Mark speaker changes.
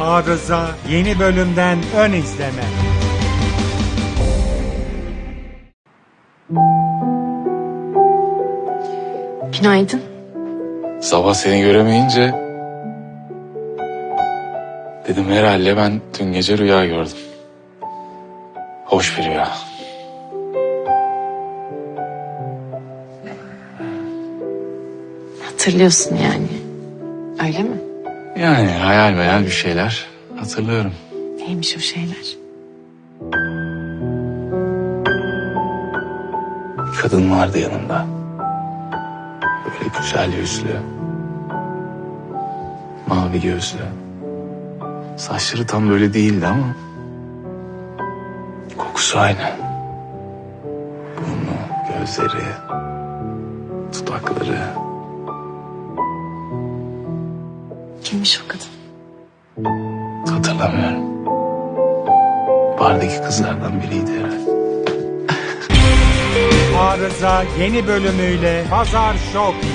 Speaker 1: Arıza yeni bölümden ön izleme.
Speaker 2: Günaydın.
Speaker 3: Sabah seni göremeyince dedim herhalde ben dün gece rüya gördüm. Hoş bir rüya.
Speaker 2: Hatırlıyorsun yani. Öyle mi?
Speaker 3: Yani hayal meyal bir şeyler hatırlıyorum.
Speaker 2: Neymiş o şeyler?
Speaker 3: Bir kadın vardı yanımda. Böyle güzel yüzlü. Mavi gözlü. Saçları tam böyle değildi ama kokusu aynı. Burnu, gözleri, dudakları.
Speaker 2: Kimmiş o kadın?
Speaker 3: Hatırlamıyorum. Bardaki kızlardan biriydi herhalde.
Speaker 1: Arıza yeni bölümüyle Pazar Show